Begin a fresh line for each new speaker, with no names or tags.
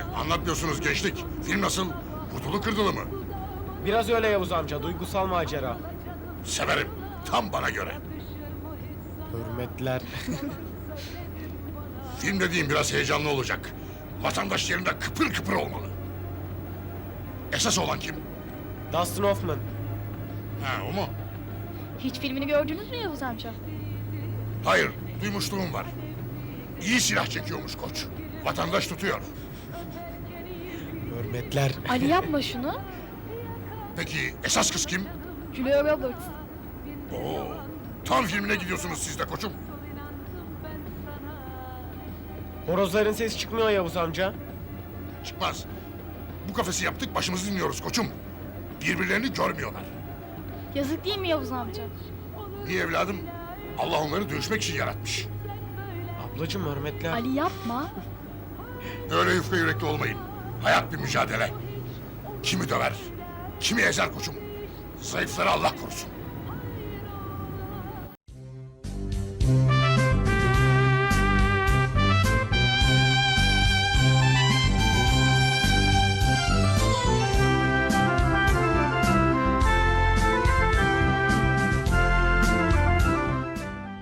Anlatmıyorsunuz gençlik. Film nasıl? Vurdulu kırdılı mı?
Biraz öyle Yavuz amca, duygusal macera.
Severim. Tam bana göre.
Hürmetler.
Film dediğim biraz heyecanlı olacak. Vatandaş yerinde kıpır kıpır olmalı. Esas olan kim?
Dustin Hoffman.
Ha, o mu?
Hiç filmini gördünüz mü Yavuz amca?
Hayır, duymuşluğum var. İyi silah çekiyormuş koç. Vatandaş tutuyor.
Hürmetler.
Ali yapma şunu.
Peki esas kız kim?
Julia Roberts.
Oo, tam filmine gidiyorsunuz siz de koçum.
Horozların sesi çıkmıyor Yavuz amca.
Çıkmaz. Bu kafesi yaptık, başımızı dinliyoruz koçum. Birbirlerini görmüyorlar.
Yazık değil mi Yavuz amca?
Niye evladım? Allah onları dövüşmek için yaratmış.
Ablacığım hürmetler.
Ali yapma.
Öyle yufka yürekli olmayın. Hayat bir mücadele. Kimi döver, kimi ezer koçum. Zayıfları Allah korusun.